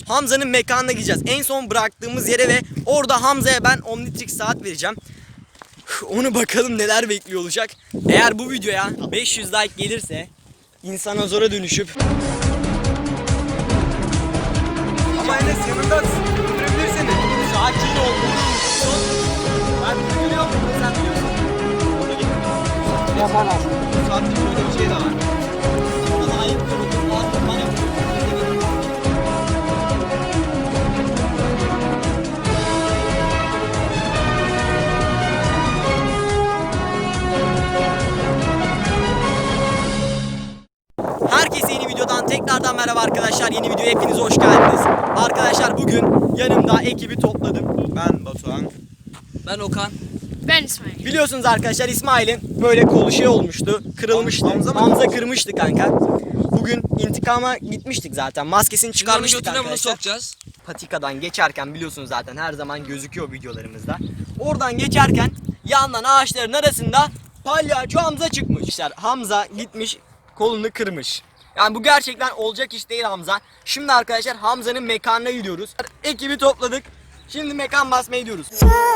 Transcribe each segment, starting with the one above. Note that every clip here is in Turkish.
Hamza'nın mekanına gideceğiz. En son bıraktığımız yere ve orada Hamza'ya ben Omnitrix saat vereceğim. Onu bakalım neler bekliyor olacak. Eğer bu videoya 500 like gelirse insanozora dönüşüp... Ama Enes yanında öldürebilir seni. Sakin ol. Ben biliyorum. Sen biliyorsun. Yapamam. Bu saatte böyle bir şey de var. Bana ayıp gördüm. Bana Herkese yeni videodan tekrardan merhaba arkadaşlar. Yeni videoya hepiniz hoş geldiniz. Arkadaşlar bugün yanımda ekibi topladım. Ben Batuhan. Ben Okan. Ben İsmail. Biliyorsunuz arkadaşlar İsmail'in böyle kolu şey olmuştu. Kırılmıştı. Hamza kırmıştı kanka. Bugün intikama gitmiştik zaten. Maskesini çıkarmıştık Götüne bunu arkadaşlar. sokacağız. Patikadan geçerken biliyorsunuz zaten her zaman gözüküyor videolarımızda. Oradan geçerken yandan ağaçların arasında palyaço Hamza çıkmış. İşte Hamza gitmiş kolunu kırmış. Yani bu gerçekten olacak iş değil Hamza. Şimdi arkadaşlar Hamza'nın mekanına gidiyoruz. Ekibi topladık. Şimdi mekan basmaya gidiyoruz.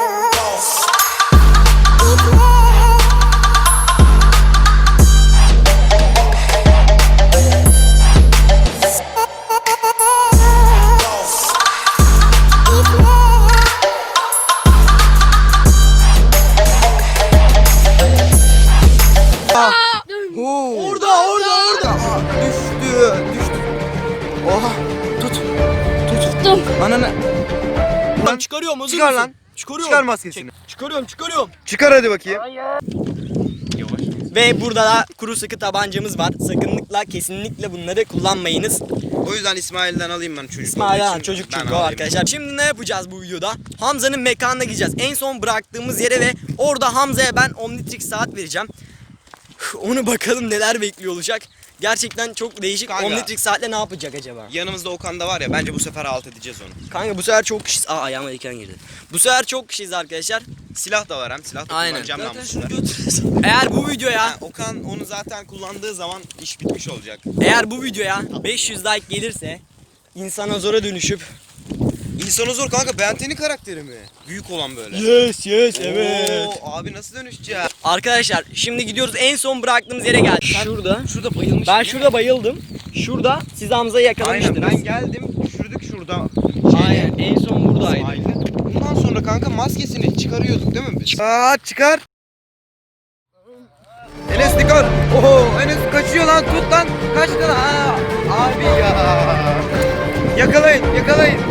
Orada. Düştü. Oha. Tuttum. Ananı. Lan çıkarıyorum hazır Çıkar mısın? lan. Çıkarıyorum. Çıkar maskesini. Çıkarıyorum. Çıkar hadi bakayım. Ve burada da kuru sıkı tabancamız var. Sakınlıkla kesinlikle bunları kullanmayınız. O yüzden İsmail'den alayım ben çocuk. İsmail'den olduğu için çocuk ben çünkü o alayım. arkadaşlar. Şimdi ne yapacağız bu videoda? Hamza'nın mekanına gideceğiz. En son bıraktığımız yere ve orada Hamza'ya ben Omnitrix saat vereceğim. Onu bakalım neler bekliyor olacak. Gerçekten çok değişik. Kanka. Omnitrix saatle ne yapacak acaba? Yanımızda Okan da var ya, bence bu sefer alt edeceğiz onu. Kanka bu sefer çok kişiyiz. Ayağıma diken girdi. Bu sefer çok kişiyiz arkadaşlar. Silah da var hem, silah da Aynen. kullanacağım ben Zaten bu şunu sefer. götüreceğiz. Eğer bu videoya Ha, Okan onu zaten kullandığı zaman iş bitmiş olacak. eğer bu videoya 500 like gelirse insanozora dönüşüp İnsanı zor kanka, Benten'in karakteri mi? Büyük olan böyle. yes Oo, abi nasıl dönüşeceğiz? Arkadaşlar şimdi gidiyoruz, en son bıraktığımız yere geldik. Şurada. Şurada bayılmış. Ben şurada bayıldım. Şurada siz Hamza'yı yakalamıştınız. Aynen, ben geldim, düşürdük şurada. Aynen, en son buradaydı. İsmail'i. Bundan sonra kanka maskesini çıkarıyorduk değil mi biz? Çıkar. Enes dikkat. Oho, Enes kaçıyor lan, tut lan. Kaçtı lan. Aa, abi ya. Yakalayın.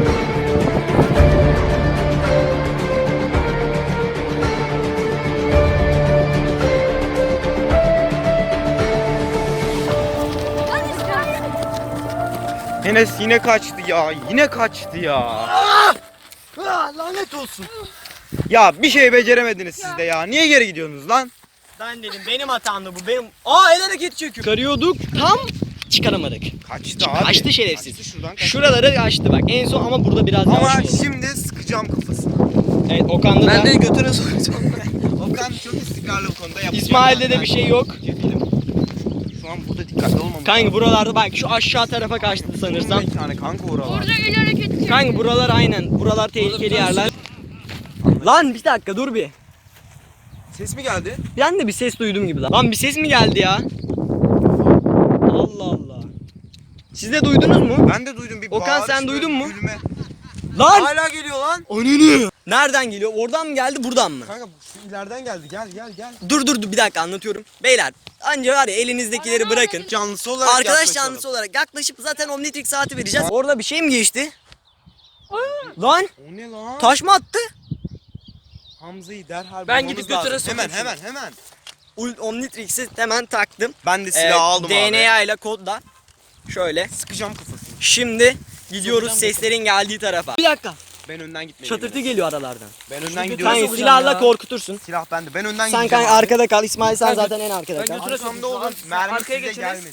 Enes yine kaçtı ya. Lanet olsun. Ya bir şey beceremediniz siz de ya. Niye geri gidiyorsunuz lan? Ben dedim benim hatamdı bu. El hareketi çekiyor. Çıkarıyorduk tam çıkaramadık. Kaçtı abi. Kaçtı şerefsiz. Kaçtı şuradan kaçtı. Şuraları açtı bak en son ama burada biraz Ama yavaş oldu. şimdi sıkacağım kafasını. Evet Okan'da Ben da de götüne sokacağım. Okan çok istikrarlı bu konuda yapacak. İsmail'de de bir şey yok. Şu an burada dikkatli olmamız Kanka buralarda bak şu aşağı tarafa kaçtı sanırsam. Bir tane kanka oralar. Orada el hareketi çekiyor. Kanka buralar aynen. Buralar tehlikeli yerler. Lan bir dakika dur bir. Ses mi geldi? Ben de bir ses duydum gibi lan. Bir ses mi geldi ya? Allah Allah. Siz de duydunuz mu? Ben de duydum bir Okan, bağırış, sen duydun böyle mu? gülme. Lan! Hala geliyor lan. Ananı! Nereden geliyor? Oradan mı geldi buradan mı? Kanka şu ileriden geldi. Gel. Dur bir dakika anlatıyorum. Beyler anca var ya elinizdekileri bırakın. Canlısı olarak Arkadaş yaklaşalım. canlısı olarak yaklaşıp zaten Omnitrix saati vereceğiz. Orada bir şey mi geçti? Lan O ne lan? taş mı attı? Hamza'yı derhal Ben bulmamız gidip götüne lazım. sokayım Hemen. Omnitrix'i hemen taktım. Ben de silahı aldım abi. DNA ile kodla. Şöyle. Sıkacağım kafasını. Şimdi gidiyoruz seslerin geldiği tarafa. Bir dakika. Ben önden gitmeliyim. Çatırtı geliyor aralardan. Ben önden Kanka gidiyorum. sokacağım silahla ya. korkutursun. Silah bende. Ben önden Sen gideceğim. kanka abi. arkada kal. İsmail sen Ben zaten en arkada ben kal. götüre- Arkamda olun. Mermi Arkaya size geçiniz. gelmesin.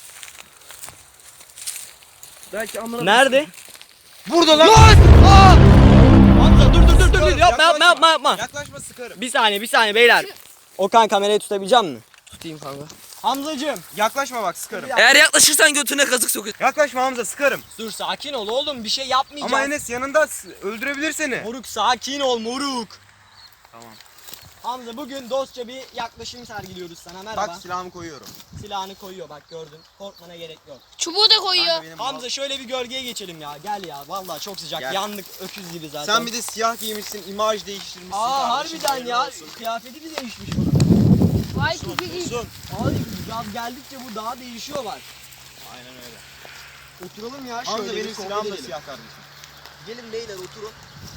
Belki amına. Nerede? Burada lan. Hamza dur. Yapma. Yaklaşma sıkarım. Bir saniye beyler. Okan kamerayı tutabilecek misin? Tutayım kanka. Hamzacığım. Yaklaşma bak sıkarım. Eğer yaklaşırsan götüne kazık sokuyor. Yaklaşma Hamza sıkarım. Dur sakin ol oğlum, bir şey yapmayacağız. Ama Enes yanında öldürebilir seni. Moruk sakin ol moruk. Tamam. Hamza bugün dostça bir yaklaşım sergiliyoruz sana. Merhaba. Bak silahımı koyuyorum. Silahını koyuyor bak, gördün. Korkmana gerek yok. Çubuğu da koyuyor. Kanka benim Hamza şöyle bir gölgeye geçelim ya. Gel ya, vallahi çok sıcak. Gel. Yandık öküz gibi zaten. Sen bir de siyah giymişsin, imaj değiştirmişsin. Aa kardeşim, harbiden hayırlı ya. olsun. Kıyafeti bir değişmiş bunun. Vay kiki. Olsun. Abi yaz geldikçe bu daha değişiyorlar. Aynen öyle. Oturalım ya şöyle. Hamza bir benim sohbet silahım da edelim. siyah kardeşim. Gelin beyler oturun.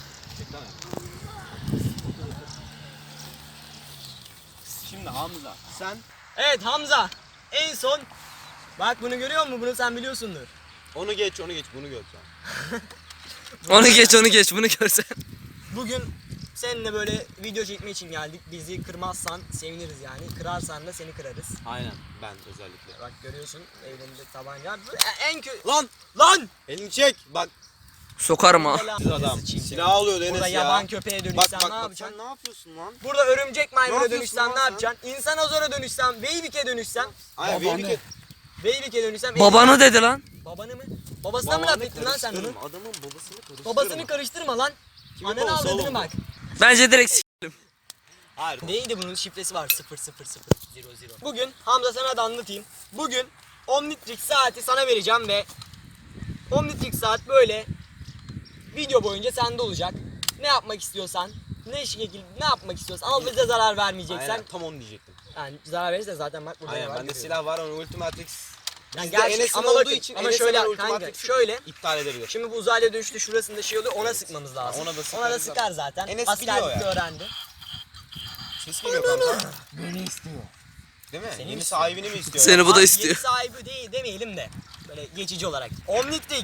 Şimdi Hamza sen Evet Hamza. En son bak bunu görüyor musun? Bunu sen biliyorsundur. onu geç bunu gör sen. Onu geç bunu görsen. Bugün seninle böyle video çekme için geldik. Bizi kırmazsan seviniriz yani. Kırarsan da seni kırarız. Aynen ben özellikle. Bak görüyorsun elinde tabanca. Bu en kötü. Lan elini çek bak Sokarım ha. siz adam silah alıyor Enes Burada ya. yaban köpeğe Bak dönüşsen bak ne bak yapacaksın? sen ne yapıyorsun lan? Burada örümcek maymuna yapıyorsun dönüşsem lan ne sen? yapacaksın? İnsan azora dönüşsem, Beybik'e dönüşsem. Aynen benim Beybik'e dönüşsem. Babanı dedi lan. Babanı mı? Babasına mı laf ettin lan sen onu? Adamın babasını karıştırma. Babasını karıştırma lan. Kimin Ananı babası avradını oğlum bak. Bence direkt s**elim. Hayır. Neydi bunun şifresi var 00000. Bugün Hamza sana da anlatayım. Bugün Omnitrix saati sana vereceğim ve Omnitrix saat böyle video boyunca sende olacak. Ne yapmak istiyorsan, ne yapmak istiyorsan ama bize zarar vermeyeceksen. Aynen tam onu diyecektim. Yani zarar verirse zaten bak burada Aynen var. bende görüyorum. silah var ama Ultimatrix. Yani Bizde gerçi Enes'in ama olduğu bakın, için ama Enes'e şöyle ben kanka Ultimatrix'i şöyle. iptal edebilir. Şimdi bu uzaylıya dönüşte şurasında şey oluyor, ona sıkmamız lazım. Ona da Ona da sıkarız sıkar zaten. Enes Askerlikte biliyor ya. öğrendi. Ses geliyor kanka. Beni istiyor. Değil mi? Seni Yeni istiyor. sahibini mi istiyor? Seni bu da Abi, istiyor. Yeni sahibi değil demeyelim de böyle geçici olarak. Omnitrix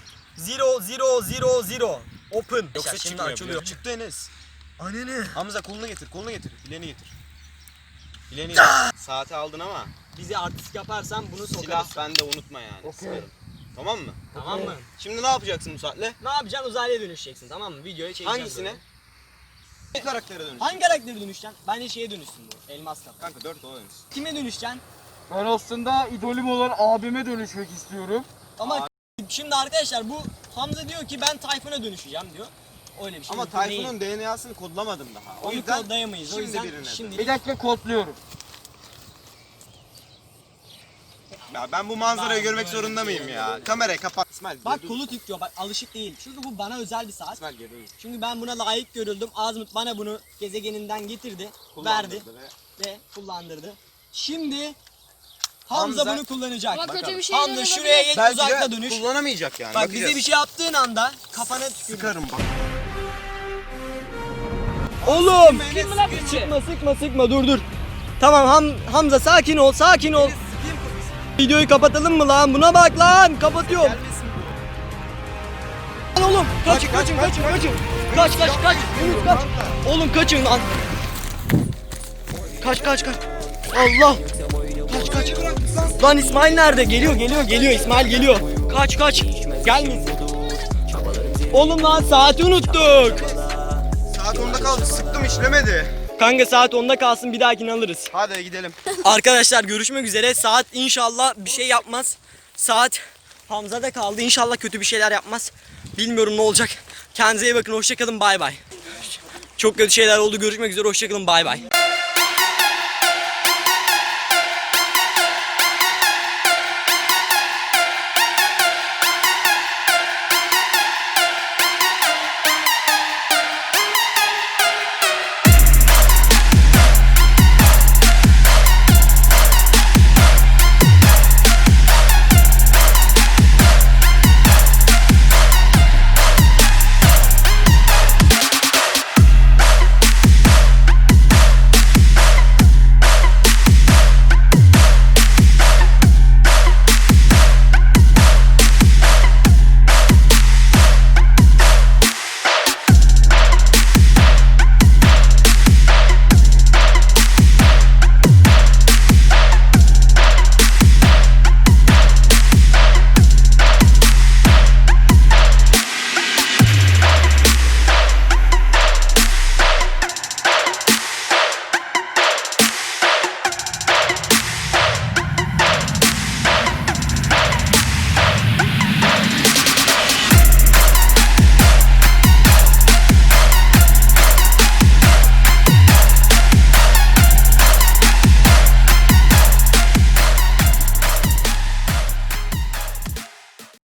0000 Open. Yoksa Şimdi çıkmıyor. açılıyor. Çıktı Enes. Ananı. Hamza kolunu getir, bileğini getir. Bileğini getir. Saati aldın ama Bizi artist yaparsan bunu sokarız. silah bende unutma yani. Sıkarım. Tamam mı? Tamam mı? Şimdi ne yapacaksın bu saatle? Ne yapacaksın? Uzaylıya dönüşeceksin tamam mı? Videoya çekeceğiz. Hangisine? böyle. Ne karaktere dönüş? Hangi karaktere dönüşeceksin? Bence şeye dönüşsün bu. Elmas kafa. Kanka 4 ona dönüş. Kime dönüşeceksin? Ben aslında idolüm olan abime dönüşmek istiyorum. Ama şimdi arkadaşlar bu Hamza diyor ki ben Tayfun'a dönüşeceğim diyor. Öyle bir şey. Ama mümkün değil. Tayfun'un DNA'sını kodlamadım daha. O Onu yüzden kodlayamayız. O şimdi yüzden birine şimdi Bir dakika kodluyorum. Ya ben bu manzarayı Ben görmek böyle zorunda bir şey mıyım ya? Kamerayı kapat. İsmail bak dur. kolu titriyor bak alışık değil. Çünkü bu bana özel bir saat. İsmail geri dur. Şimdi ben buna layık görüldüm. Azmut bana bunu gezegeninden getirdi, verdi Kullandırdı ve kullandırdı. Şimdi Hamza Hamza- bunu kullanacak. Ama kötü bir şey Hamza şuraya geç Belki uzakta de dönüş. kullanamayacak yani. Bak bakacağız. bize bir şey yaptığın anda kafana tükür. Sıkarım bak. Oğlum! Sıkma dur. Tamam Hamza sakin ol. Videoyu kapatalım mı lan? Buna bak lan. Kapatıyorum. Gelmesin bu. Lan oğlum kaçın. Kaç. Yunus kaç. Oğlum kaçın lan. Kaç. Allah. Kaç. Lan İsmail nerede? Geliyor. İsmail geliyor. Kaç. Gelmesin. Oğlum lan saati unuttuk. Saat 10'da kaldı. Sıktım işlemedi. Kanka saat 10'da kalsın bir dahakini alırız. Hadi gidelim. Arkadaşlar görüşmek üzere. Saat inşallah bir şey yapmaz. Saat Hamza'da kaldı. İnşallah kötü bir şeyler yapmaz. Bilmiyorum ne olacak. Kendinize iyi bakın. Hoşçakalın. Bay bay. Çok kötü şeyler oldu. Görüşmek üzere. Hoşçakalın. Bay bay.